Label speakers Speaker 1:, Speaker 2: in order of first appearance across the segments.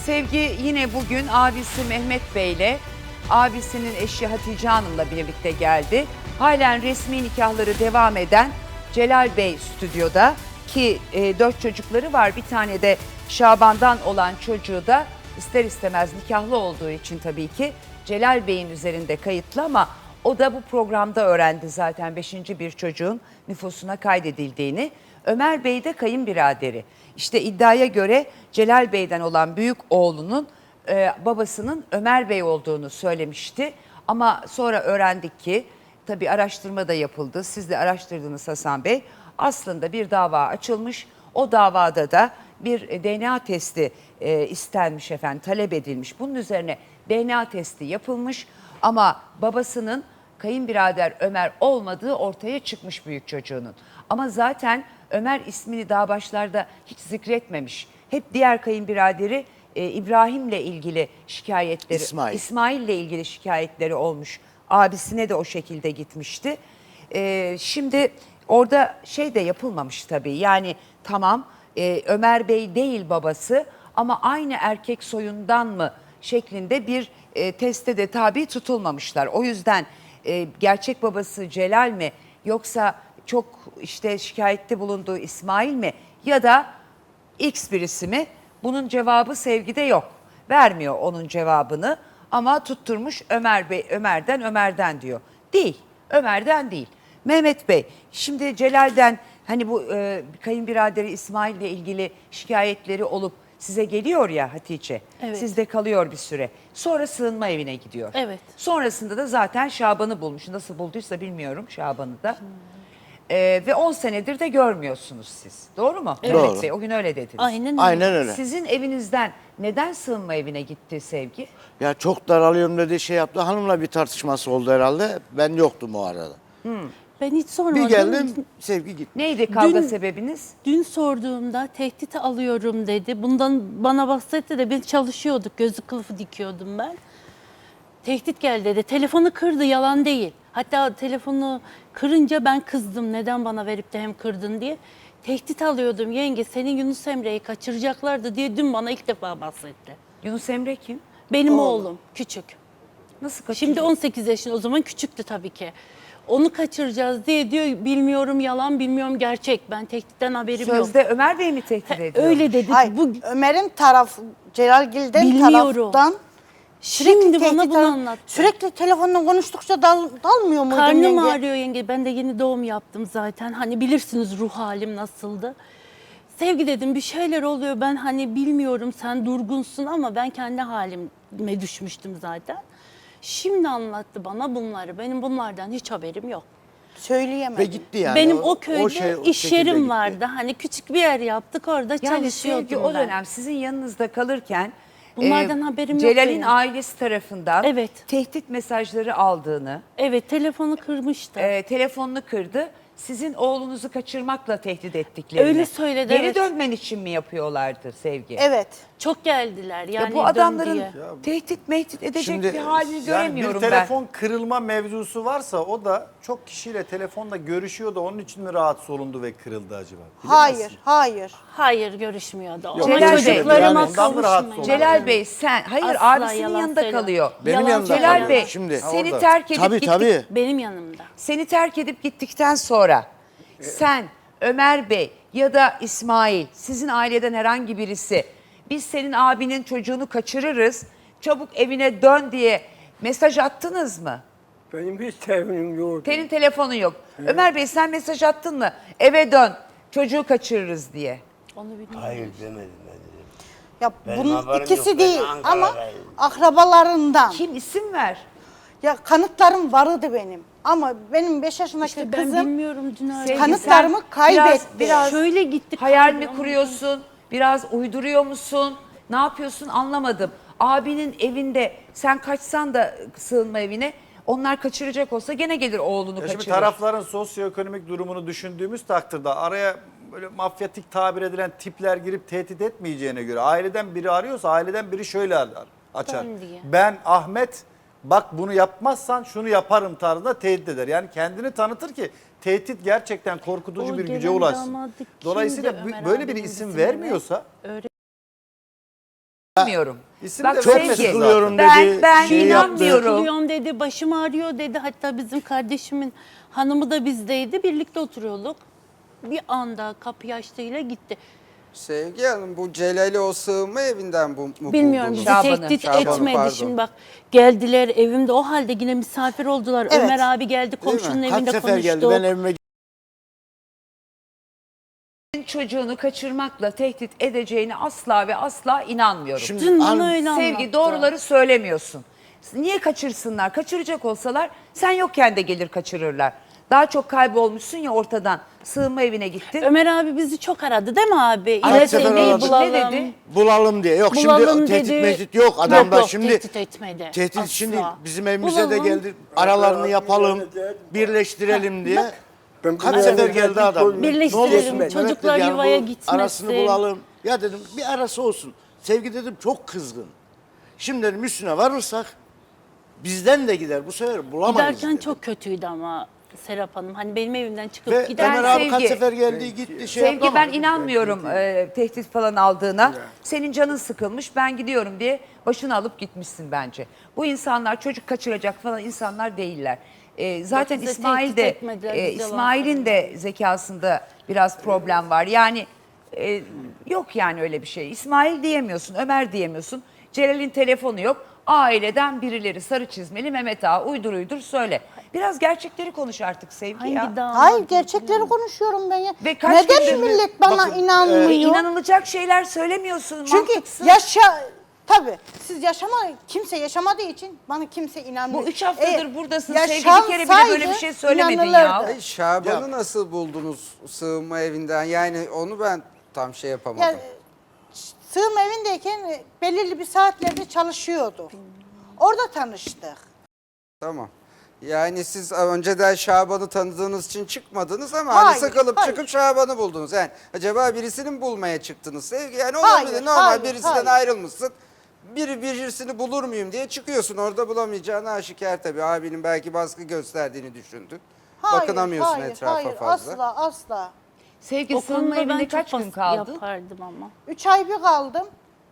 Speaker 1: Sevgi yine bugün abisi Mehmet Bey ile abisinin eşi Hatice Hanım'la birlikte geldi. Halen resmi nikahları devam eden Celal Bey stüdyoda ki 4 çocukları var. Bir tane de Şaban'dan olan çocuğu da ister istemez nikahlı olduğu için tabii ki Celal Bey'in üzerinde kayıtlı ama o da bu programda öğrendi zaten 5. bir çocuğun nüfusuna kaydedildiğini. Ömer Bey de kayınbiraderi. İşte iddiaya göre Celal Bey'den olan büyük oğlunun babasının Ömer Bey olduğunu söylemişti. Ama sonra öğrendik ki tabii araştırma da yapıldı. Siz de araştırdınız Hasan Bey. Aslında bir dava açılmış. O davada da bir DNA testi istenmiş efendim, talep edilmiş. Bunun üzerine DNA testi yapılmış ama babasının kayınbirader Ömer olmadığı ortaya çıkmış büyük çocuğunun. Ama zaten Ömer ismini daha başlarda hiç zikretmemiş. Hep diğer kayınbiraderi İbrahim'le ilgili şikayetleri, İsmail'le ilgili şikayetleri olmuş. Abisine de o şekilde gitmişti. Şimdi orada şey de yapılmamış tabii. Yani tamam Ömer Bey değil babası ama aynı erkek soyundan mı şeklinde bir teste de tabi tutulmamışlar. O yüzden gerçek babası Celal mi yoksa çok işte şikayette bulunduğu İsmail mi ya da X birisi mi? Bunun cevabı Sevgi'de yok. Vermiyor onun cevabını ama tutturmuş Ömer'den diyor. Değil, Ömer'den değil. Mehmet Bey, şimdi Celal'den hani bu kayınbiraderi İsmail ile ilgili şikayetleri olup size geliyor ya Hatice.
Speaker 2: Evet.
Speaker 1: Sizde kalıyor bir süre. Sonra sığınma evine gidiyor.
Speaker 2: Evet.
Speaker 1: Sonrasında da zaten Şaban'ı bulmuş. Nasıl bulduysa bilmiyorum Şaban'ı da. Ve 10 senedir de görmüyorsunuz siz. Doğru mu?
Speaker 2: Evet.
Speaker 1: Mehmet Bey, o gün öyle dediniz.
Speaker 2: Aynen öyle.
Speaker 3: Aynen öyle.
Speaker 1: Sizin evinizden neden sığınma evine gitti Sevgi?
Speaker 3: Ya çok daralıyorum dedi, şey yaptı. Hanımla bir tartışması oldu herhalde. Ben yoktum o arada.
Speaker 2: Ben hiç sormadım.
Speaker 3: Bir geldim, Sevgi gitti.
Speaker 1: Neydi kavga
Speaker 2: Dün-
Speaker 1: sebebiniz?
Speaker 2: Dün sorduğumda tehdit alıyorum dedi. Bundan bana bahsetti de biz çalışıyorduk. Gözü kılıfı dikiyordum ben. Tehdit geldi dedi. Telefonu kırdı, yalan değil. Hatta telefonu kırınca ben kızdım. Neden bana verip de hem kırdın diye. Tehdit alıyordum yenge, senin Yunus Emre'yi kaçıracaklardı diye dün bana ilk defa bahsetti.
Speaker 1: Yunus Emre kim?
Speaker 2: Benim oğlum küçük.
Speaker 1: Nasıl kaçırdı?
Speaker 2: Şimdi 18 yaşında, o zaman küçüktü tabii ki. Onu kaçıracağız diye diyor, bilmiyorum yalan, bilmiyorum gerçek. Ben tehditten haberim yok.
Speaker 1: Sözde Ömer Bey mi tehdit ediyor?
Speaker 2: Öyle dedi.
Speaker 4: Hayır,
Speaker 2: Bu
Speaker 4: Ömer'in tarafı, Celalgil'den
Speaker 2: Bilmiyorum.
Speaker 4: taraftan
Speaker 2: şimdi bana
Speaker 4: tehdit
Speaker 2: bunu
Speaker 4: alan-
Speaker 2: anlattı.
Speaker 4: Sürekli telefonla konuştukça dalmıyor muydun
Speaker 2: Karnım
Speaker 4: yenge?
Speaker 2: ağrıyor yenge. Ben de yeni doğum yaptım zaten. Hani bilirsiniz ruh halim nasıldı. Sevgi dedim, bir şeyler oluyor. Ben hani bilmiyorum, sen durgunsun ama ben kendi halime düşmüştüm zaten. Şimdi anlattı bana bunları. Benim bunlardan hiç haberim yok.
Speaker 4: Söyleyemem.
Speaker 3: Ve gitti yani.
Speaker 2: Benim o köyde
Speaker 3: o
Speaker 2: iş
Speaker 3: şekilde
Speaker 2: yerim
Speaker 3: gitti.
Speaker 2: vardı. Hani küçük bir yer yaptık, orada
Speaker 1: Yani
Speaker 2: çalışıyordum
Speaker 1: Sevgi o
Speaker 2: ben.
Speaker 1: dönem sizin yanınızda kalırken
Speaker 2: Bunlardan haberim yok
Speaker 1: Celal'in
Speaker 2: benim.
Speaker 1: ailesi tarafından
Speaker 2: Evet.
Speaker 1: tehdit mesajları aldığını,
Speaker 2: Evet, telefonu kırmıştı.
Speaker 1: telefonunu kırdı. Sizin oğlunuzu kaçırmakla tehdit ettiklerini.
Speaker 2: Öyle söyledi,
Speaker 1: Geri
Speaker 2: evet.
Speaker 1: dönmen için mi yapıyorlardı Sevgi?
Speaker 4: Evet.
Speaker 2: Çok geldiler yani.
Speaker 1: Ya bu
Speaker 2: dön
Speaker 1: adamların
Speaker 2: diye.
Speaker 1: tehdit mehdit edecek
Speaker 3: Şimdi,
Speaker 1: bir halini
Speaker 5: Yani
Speaker 1: göremiyorum
Speaker 5: bir telefon kırılma mevzusu varsa o da çok kişiyle telefonla görüşüyor da onun için mi rahatsız olundu ve kırıldı acaba?
Speaker 4: Hayır, hayır.
Speaker 2: Hayır, görüşmüyordu.
Speaker 1: Yok,
Speaker 2: Ama
Speaker 1: Celal Bey,
Speaker 2: çocuklarıma
Speaker 5: yani ondan mı rahatsız
Speaker 2: kavuşmayın.
Speaker 5: oldu?
Speaker 1: Celal Bey sen, hayır
Speaker 2: Asla
Speaker 1: abisinin
Speaker 2: yalan
Speaker 1: yanında
Speaker 2: söyleme.
Speaker 1: kalıyor.
Speaker 3: Benim
Speaker 2: Yalan
Speaker 3: yanımda
Speaker 2: söyleme.
Speaker 1: Celal
Speaker 3: kalıyor.
Speaker 1: Bey
Speaker 3: Şimdi,
Speaker 1: seni
Speaker 5: orada.
Speaker 1: terk edip
Speaker 3: tabii
Speaker 1: gittik.
Speaker 3: tabii.
Speaker 2: Benim yanımda.
Speaker 1: Seni terk edip gittikten sonra sen, Ömer Bey ya da İsmail, sizin aileden herhangi birisi biz senin abinin çocuğunu kaçırırız, çabuk evine dön diye mesaj attınız mı?
Speaker 6: Benim hiç telefonum yoktu.
Speaker 1: Senin telefonun yok. Ömer Bey sen mesaj attın mı? Eve dön, çocuğu kaçırırız diye.
Speaker 2: Onu bilmiyorum.
Speaker 6: Hayır demedim ben dedim.
Speaker 4: Ya
Speaker 6: Benim
Speaker 4: bunun
Speaker 6: haberim
Speaker 4: ikisi
Speaker 6: yok, ben
Speaker 4: değil ama
Speaker 6: Ankara'dayım.
Speaker 4: akrabalarından.
Speaker 1: Kim isim ver?
Speaker 4: Ya kanıtlarım vardı benim. Ama benim 5 yaşındaki
Speaker 2: İşte ben
Speaker 4: kızım
Speaker 2: bilmiyorum dün öyle.
Speaker 1: Sevgi,
Speaker 4: kanıtlarımı
Speaker 1: sen
Speaker 4: kaybetti.
Speaker 1: Biraz
Speaker 2: Şöyle gittik.
Speaker 1: hayal mi kuruyorsun? Biraz uyduruyor musun? Ne yapıyorsun anlamadım. Abinin evinde sen kaçsan da sığınma evine onlar kaçıracak olsa gene gelir oğlunu
Speaker 5: Ya şimdi
Speaker 1: kaçırır.
Speaker 5: tarafların sosyoekonomik durumunu düşündüğümüz takdirde araya böyle mafyatik tabir edilen tipler girip tehdit etmeyeceğine göre aileden biri arıyorsa aileden biri şöyle açar.
Speaker 2: Ben diye.
Speaker 5: Ben Ahmet bak bunu yapmazsan şunu yaparım tarzında tehdit eder. Yani kendini tanıtır ki tehdit gerçekten korkutucu
Speaker 2: O
Speaker 5: bir güce
Speaker 2: gelen
Speaker 5: ulaşsın.
Speaker 2: damadı kimdi
Speaker 5: Dolayısıyla
Speaker 2: Ömer
Speaker 5: böyle bir
Speaker 2: abinin
Speaker 5: isim
Speaker 2: bizim eve?
Speaker 5: vermiyorsa
Speaker 2: Öyle
Speaker 1: İnanmıyorum.
Speaker 5: İsim
Speaker 1: Bak
Speaker 5: de
Speaker 3: Çok
Speaker 5: vermesin
Speaker 1: Sevgi,
Speaker 3: sıkılıyorum
Speaker 1: ben,
Speaker 3: dedi.
Speaker 1: ben
Speaker 3: şey yaptı.
Speaker 1: inanmıyorum.
Speaker 2: Sıkılıyorum dedi, başım ağrıyor dedi. Hatta bizim kardeşimin hanımı da bizdeydi. Birlikte oturuyorduk. Bir anda kapıyı açtığıyla gitti.
Speaker 7: Sevgi Hanım, bu Celal'i o sığınma evinden mu
Speaker 2: Bilmiyorum,
Speaker 7: buldunuz?
Speaker 2: bizi
Speaker 1: Şaban'ı.
Speaker 2: tehdit
Speaker 7: Şaban'ı,
Speaker 2: etmedi.
Speaker 7: pardon.
Speaker 2: Şimdi bak, geldiler evimde, o halde yine misafir oldular.
Speaker 4: Evet.
Speaker 2: Ömer abi geldi, komşunun
Speaker 3: Kaç
Speaker 2: evinde
Speaker 3: sefer geldi
Speaker 2: konuştuk.
Speaker 3: ben evime
Speaker 1: Çocuğunu kaçırmakla tehdit edeceğini asla ve asla inanmıyorum.
Speaker 3: Şimdi
Speaker 2: Dün bana
Speaker 3: hanım-
Speaker 2: öyle
Speaker 1: Sevgi,
Speaker 2: anlattı.
Speaker 1: doğruları söylemiyorsun. Niye kaçırsınlar? Kaçıracak olsalar sen yokken de gelir kaçırırlar. Daha çok kaybolmuşsun ya ortadan. Sığınma evine gittin.
Speaker 2: Ömer abi bizi çok aradı değil mi abi?
Speaker 1: Kaç
Speaker 2: İle
Speaker 3: sefer
Speaker 2: seni
Speaker 3: aradı.
Speaker 2: bulalım.
Speaker 1: Ne dedi?
Speaker 3: bulalım diye. Yok
Speaker 2: Bulalım
Speaker 3: şimdi tehdit
Speaker 2: dedi.
Speaker 3: mehdit yok adamda
Speaker 2: Yok,
Speaker 3: şimdi.
Speaker 2: tehdit etmedi.
Speaker 3: Tehdit
Speaker 2: Asla.
Speaker 3: şimdi bizim evimize de
Speaker 2: Bulalım.
Speaker 3: geldi. Aralarını yapalım, birleştirelim diye.
Speaker 6: Ben
Speaker 3: Kaç
Speaker 6: buraya
Speaker 3: sefer
Speaker 6: geldim,
Speaker 3: geldi adam.
Speaker 6: koydum.
Speaker 2: Birleştirelim,
Speaker 3: Ne olursun Mehmet
Speaker 2: çocuklar
Speaker 3: dedi, yani
Speaker 2: yuvaya
Speaker 3: bu
Speaker 2: gitmesin.
Speaker 3: Arasını bulalım. Ya dedim bir arası olsun. Sevgi dedim çok kızgın. Şimdi dedim üstüne varırsak bizden de gider. Bu sefer bulamayız
Speaker 2: Giderken
Speaker 3: dedim.
Speaker 2: çok kötüydü ama Serap Hanım. Hani benim evimden çıkıp
Speaker 3: Ve
Speaker 2: giderken.
Speaker 3: Ömer abi kaç
Speaker 1: Sevgi-
Speaker 3: sefer geldi gitti şey yaptı
Speaker 1: Sevgi
Speaker 3: ama.
Speaker 1: ben inanmıyorum tehdit falan aldığına. Senin canın sıkılmış ben gidiyorum diye başını alıp gitmişsin bence. Bu insanlar çocuk kaçıracak falan insanlar değiller. Zaten
Speaker 2: Yok, bize
Speaker 1: İsmail
Speaker 2: tehdit
Speaker 1: de
Speaker 2: etmediler, biz yalan
Speaker 1: İsmail'in de zekasında biraz problem var. Yani yok yani öyle bir şey. İsmail diyemiyorsun, Ömer diyemiyorsun. Celal'in telefonu yok. Aileden birileri sarı çizmeli Mehmet Ağa uydur söyle. Biraz gerçekleri konuş artık Sevgi ya.
Speaker 2: Hangi dağ?
Speaker 4: Hayır, gerçekleri konuşuyorum ben ya.
Speaker 1: Ve kaç
Speaker 4: Neden
Speaker 1: gündür-
Speaker 4: millet bana
Speaker 3: Bakın,
Speaker 4: inanmıyor?
Speaker 1: İnanılacak şeyler söylemiyorsun.
Speaker 4: Çünkü
Speaker 1: mantıksız.
Speaker 4: tabii siz kimse yaşamadığı için bana kimse inanmıyor.
Speaker 1: Bu 3 haftadır buradasın.
Speaker 4: Sevgi
Speaker 1: Sevgi bir kere bile böyle bir şey söylemedin ya.
Speaker 7: Ay, Şaban'ı nasıl buldunuz sığınma evinden? Yani onu ben tam şey yapamadım.
Speaker 4: Ya, sığınma evindeyken belirli bir saatlerde çalışıyordu. Orada tanıştık.
Speaker 7: Tamam. Yani siz önceden Şaban'ı tanıdığınız için çıkmadınız ama hani
Speaker 4: Hayır,
Speaker 7: sıkılıp
Speaker 4: hayır.
Speaker 7: çıkıp Şaban'ı buldunuz. Yani acaba birisini mi bulmaya çıktınız Sevgi? Yani
Speaker 4: Hayır,
Speaker 7: olabilir. Normal
Speaker 4: hayır,
Speaker 7: birisinden
Speaker 4: hayır.
Speaker 7: ayrılmışsın. Birisini bulur muyum diye çıkıyorsun. Orada bulamayacağını aşikar tabii. Abinin belki baskı gösterdiğini düşündün. Bakınamıyorsun etrafa
Speaker 4: hayır,
Speaker 7: fazla.
Speaker 4: asla.
Speaker 1: Sevgi
Speaker 2: O
Speaker 1: sığınma
Speaker 2: konuda ben
Speaker 1: evinde
Speaker 2: çok
Speaker 1: kaç gün
Speaker 2: baskı
Speaker 1: kaldın?
Speaker 2: yapardım ama.
Speaker 4: 3 ay bir kaldım.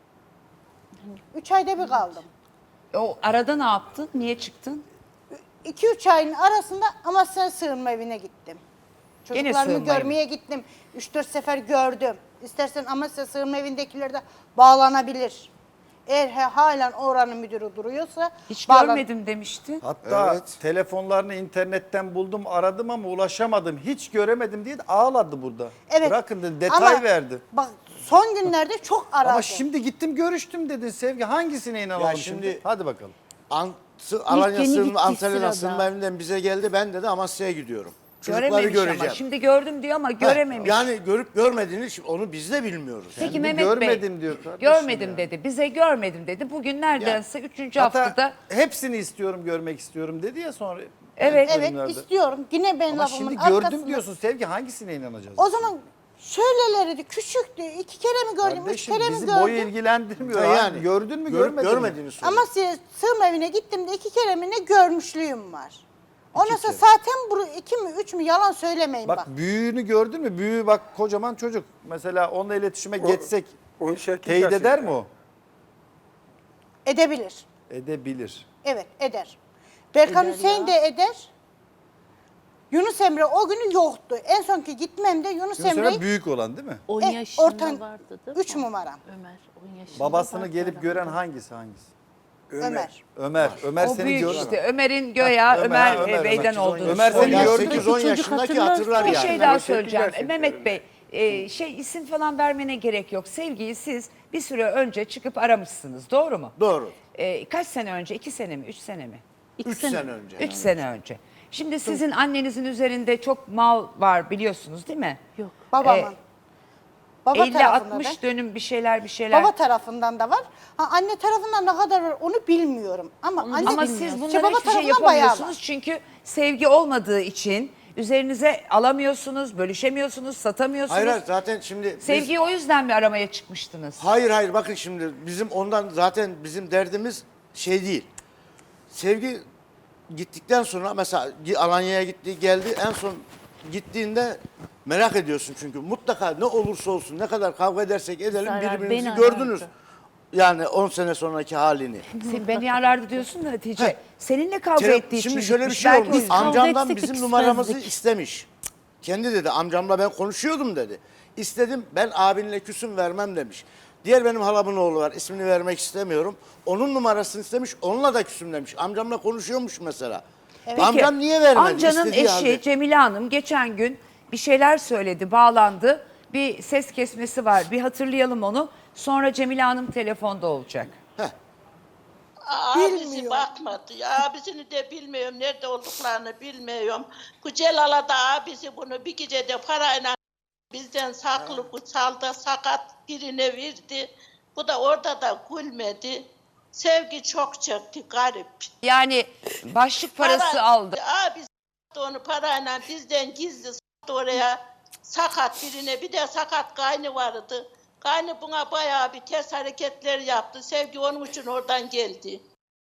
Speaker 4: 3 ayda bir kaldım.
Speaker 1: O arada ne yaptın? Niye çıktın?
Speaker 4: 2-3 ayın arasında Amasya sığınma evine gittim.
Speaker 1: Gene
Speaker 4: Çocuklarımı
Speaker 1: sığınma evi.
Speaker 4: görmeye gittim. 3-4 sefer gördüm. İstersen Amasya sığınma evindekiler de bağlanabilir. Eğer halen oranın müdürü duruyorsa
Speaker 1: Hiç
Speaker 4: bağlan-
Speaker 1: görmedim demişti.
Speaker 5: Hatta
Speaker 7: Evet.
Speaker 5: telefonlarını internetten buldum, aradım ama ulaşamadım. Hiç göremedim diye de ağladı burada.
Speaker 4: Evet.
Speaker 5: Bırakın dedi, detay
Speaker 4: Ama
Speaker 5: verdi.
Speaker 4: Bak son günlerde çok aradı.
Speaker 5: Ama şimdi gittim görüştüm dedin Sevgi. Hangisine inanalım
Speaker 3: Ya
Speaker 5: şimdi?
Speaker 3: şimdi-
Speaker 5: Hadi bakalım.
Speaker 2: yeni
Speaker 3: Alanya sığınma,
Speaker 2: gittiği
Speaker 3: Antalya'dan
Speaker 2: sırada.
Speaker 3: sığınma evinden bize geldi. Ben dedi Amasya'ya gidiyorum. Çocukları
Speaker 1: Görememiş
Speaker 3: göreceğim.
Speaker 1: ama. Şimdi gördüm diyor ama
Speaker 3: Ha,
Speaker 1: görememiş.
Speaker 3: Yani görüp görmediğini onu biz de bilmiyoruz.
Speaker 1: Peki
Speaker 5: Şimdi
Speaker 1: Mehmet Bey.
Speaker 5: görmedim diyor kardeşim
Speaker 1: Görmedim
Speaker 5: ya.
Speaker 1: dedi. Bize görmedim dedi. Bugün neredeyse 3.
Speaker 5: Hatta
Speaker 1: haftada.
Speaker 5: hepsini istiyorum, görmek istiyorum dedi ya sonra.
Speaker 1: Evet.
Speaker 4: Evet
Speaker 5: bölümlerde.
Speaker 4: istiyorum. Yine ben
Speaker 5: Ama
Speaker 4: lafımın
Speaker 5: şimdi
Speaker 4: arkasında.
Speaker 5: gördüm diyorsun Sevgi, hangisine inanacağız?
Speaker 4: O zaman şöylelerdi, küçüktü. 2 kere mi gördüm, 3
Speaker 5: Kardeşim
Speaker 4: kere mi
Speaker 5: bizi
Speaker 4: gördüm?
Speaker 5: boyu ilgilendirmiyor.
Speaker 3: Ha,
Speaker 5: Yani.
Speaker 3: yani
Speaker 5: Gördün mü
Speaker 3: görüp
Speaker 5: görmedin mi?
Speaker 3: görmediğini soruyor.
Speaker 4: Amasya sığınma evine gittim de 2 kere mi ne görmüşlüğüm var. Ondan sonra
Speaker 3: kere.
Speaker 4: zaten bu 2 mi 3 mü yalan söylemeyin bak.
Speaker 5: Bak büyüğünü gördün mü? Büyüğü bak kocaman çocuk. Mesela onunla iletişime geçsek
Speaker 6: 18
Speaker 5: teyit
Speaker 6: yaşında.
Speaker 5: eder mi o?
Speaker 4: Edebilir.
Speaker 5: Edebilir.
Speaker 4: Evet eder. Berkan
Speaker 2: Eder
Speaker 4: Hüseyin de eder. Yunus Emre o günü yoktu. En sonki gitmemde Yunus
Speaker 5: Mesela
Speaker 4: Emre'yi
Speaker 5: büyük olan değil mi?
Speaker 2: 10
Speaker 4: E,
Speaker 2: yaşında
Speaker 4: ortan-
Speaker 2: vardı değil mi?
Speaker 4: 3 numaram
Speaker 2: Ömer 10 yaşında.
Speaker 5: Babasını
Speaker 2: vardı
Speaker 5: gelip
Speaker 2: herhalde.
Speaker 5: gören hangisi?
Speaker 4: Ömer.
Speaker 5: Ömer. Ömer
Speaker 1: O
Speaker 5: seni
Speaker 1: büyük
Speaker 5: gördü.
Speaker 1: işte. Ömer'in göya Ömer, Bey'den olduğunu
Speaker 5: Ömer seni
Speaker 1: söylüyor.
Speaker 5: gördü mü?
Speaker 3: 8-10
Speaker 2: Çocuk
Speaker 3: yaşındaki
Speaker 2: hatırlar.
Speaker 3: hatırlar
Speaker 1: Bir
Speaker 3: yani.
Speaker 1: şey daha
Speaker 6: Evet,
Speaker 1: söyleyeceğim.
Speaker 6: gerçekten
Speaker 1: Mehmet Bey, isim falan vermene gerek yok. Sevgiyi siz bir süre önce çıkıp aramışsınız. Doğru mu?
Speaker 3: Doğru.
Speaker 1: Kaç sene önce? 2 sene mi? 3 sene mi?
Speaker 3: 3 sene önce.
Speaker 1: 3 sene önce. Şimdi sizin annenizin üzerinde çok mal var biliyorsunuz değil mi?
Speaker 2: Yok.
Speaker 4: Babamın. Baba tarafında
Speaker 1: 50-60
Speaker 4: da.
Speaker 1: dönüm bir şeyler.
Speaker 4: Baba tarafından da var. Ha, anne tarafından ne kadar var onu bilmiyorum. Ama anne
Speaker 1: Ama
Speaker 4: bilmiyorum.
Speaker 1: siz
Speaker 4: İşte
Speaker 1: bunları
Speaker 4: baba
Speaker 1: hiçbir şey
Speaker 4: tarafından bayağı var.
Speaker 1: yapamıyorsunuz çünkü sevgi olmadığı için üzerinize alamıyorsunuz, bölüşemiyorsunuz, satamıyorsunuz.
Speaker 3: Hayır zaten şimdi biz-
Speaker 1: Sevgiyi o yüzden mi aramaya çıkmıştınız?
Speaker 3: Hayır bakın şimdi bizim ondan zaten bizim derdimiz şey değil. Sevgi gittikten sonra mesela Alanya'ya gitti geldi en son gittiğinde merak ediyorsun çünkü mutlaka ne olursa olsun ne kadar kavga edersek edelim
Speaker 2: Zarar
Speaker 3: birbirimizi
Speaker 2: beni
Speaker 3: gördünüz.
Speaker 2: arardı.
Speaker 3: Yani 10 sene sonraki halini.
Speaker 1: Sen beni yerlerde diyorsun da Hatice. Seninle kavga ettiği için
Speaker 3: Şimdi şöyle bir
Speaker 1: gitmiş.
Speaker 3: şey
Speaker 1: Belki o
Speaker 3: olmuş.
Speaker 1: yüzden.
Speaker 3: Amcamdan
Speaker 2: etsek
Speaker 3: bizim
Speaker 2: de
Speaker 3: numaramızı
Speaker 2: küsmezdik.
Speaker 3: istemiş. Kendi dedi amcamla ben konuşuyordum dedi. İstedim ben abinle küsüm vermem demiş. Diğer benim halamın oğlu var ismini vermek istemiyorum. Onun numarasını istemiş onunla da küsüm demiş. Amcamla konuşuyormuş mesela.
Speaker 1: Peki,
Speaker 3: Amcam niye vermedi?
Speaker 1: Amcanın
Speaker 3: İstediği
Speaker 1: eşi
Speaker 3: halde.
Speaker 1: Cemile Hanım geçen gün bir şeyler söyledi, bağlandı. Bir ses kesmesi var. Bir hatırlayalım onu. Sonra Cemile Hanım telefonda olacak.
Speaker 8: Abisi bakmadı. Abisini de bilmiyorum. Nerede olduklarını bilmiyorum. Bu Celal'a da abisi bunu bir gecede parayla bizden saklı kutsalda sakat birine verdi. Bu da orada da gülmedi. Sevgi çok çekti garip.
Speaker 1: Yani başlık parası
Speaker 8: Para-
Speaker 1: aldı.
Speaker 8: Abisi onu parayla bizden gizli sattı oraya. Sakat birine bir de sakat kaynı vardı. Kaynı buna bayağı bir ters hareketler yaptı. Sevgi onun için oradan geldi.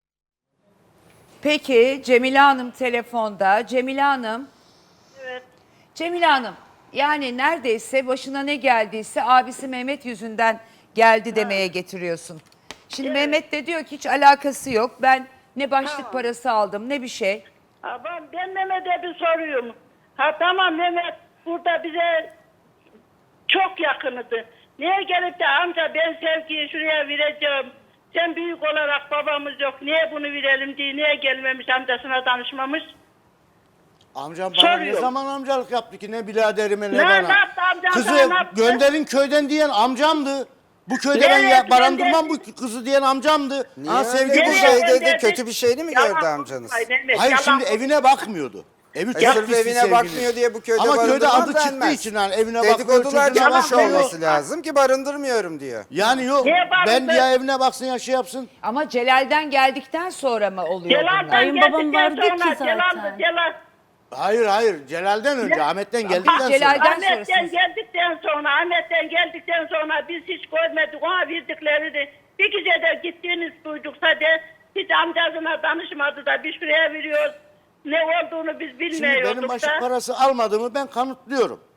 Speaker 1: Peki Cemile Hanım telefonda. Cemile Hanım.
Speaker 8: Evet.
Speaker 1: Cemile Hanım yani neredeyse başına ne geldiyse abisi Mehmet yüzünden geldi demeye getiriyorsun. Şimdi Mehmet de diyor ki hiç alakası yok. Ben ne başlık parası aldım ne bir şey.
Speaker 9: Ben Mehmet'e bir soruyorum. Ha tamam Mehmet burada bize çok yakınıdı. Niye gelip de amca ben Sevgi'yi şuraya vereceğim. Sen büyük olarak babamız yok. Niye bunu verelim diye niye gelmemiş amcasına danışmamış?
Speaker 3: Amcam bana ne
Speaker 9: Soruyorum.
Speaker 3: zaman amcalık yaptı ki ne biraderime ne
Speaker 9: Ne
Speaker 3: bana.
Speaker 9: yaptı amcam
Speaker 3: Kızı
Speaker 9: sana, ne yaptı?
Speaker 3: gönderin köyden diyen amcamdı. Bu köyde ben
Speaker 9: Evet,
Speaker 3: barındırmam bu kızı diyen amcamdı.
Speaker 7: Niye
Speaker 3: Ha,
Speaker 7: öyle
Speaker 3: sevgi
Speaker 7: bir
Speaker 3: burada.
Speaker 7: şey dedi?
Speaker 9: gönderdi.
Speaker 7: Kötü bir şeyini mi
Speaker 9: Yalan
Speaker 7: gördü amcanız?
Speaker 9: konuşmayın Mehmet,
Speaker 3: Hayır
Speaker 9: yalan
Speaker 3: şimdi
Speaker 9: konuşmayın.
Speaker 3: evine bakmıyordu. Evi çok
Speaker 7: Sırf
Speaker 3: pis
Speaker 7: evine
Speaker 3: sevgili.
Speaker 7: bakmıyor diye bu köyde
Speaker 3: Ama köyde
Speaker 7: barındırmam
Speaker 3: adı çıktığı
Speaker 7: denmez.
Speaker 3: için yani evine bakmıyor.
Speaker 7: Dedikodular
Speaker 3: çocuğuna
Speaker 7: çıkmış
Speaker 3: bakmıyor.
Speaker 7: olması lazım ki barındırmıyorum diyor.
Speaker 3: Yani yok
Speaker 9: Niye
Speaker 3: ben
Speaker 9: barındır-
Speaker 3: ya evine baksın ya şey yapsın.
Speaker 1: Ama Celal'den geldikten sonra mı oluyor bunlar?
Speaker 9: Celal'dan
Speaker 2: Kayınbabam
Speaker 9: geldikten
Speaker 2: vardı ki
Speaker 9: sonra
Speaker 2: zaten.
Speaker 9: Celal
Speaker 3: Hayır Celal'den önce Ahmet'ten geldikten sonra.
Speaker 1: Celal'den
Speaker 9: Ahmet'ten
Speaker 1: sonrasınız.
Speaker 9: geldikten sonra biz hiç görmedik ona verdiklerini. Bir gece de gittiğiniz duyduksa de hiç amcasına danışmadı da bir şuraya veriyoruz. Ne olduğunu biz
Speaker 3: Şimdi
Speaker 9: bilmiyorduk
Speaker 3: benim başlık
Speaker 9: da.
Speaker 3: parası almadığımı ben kanıtlıyorum.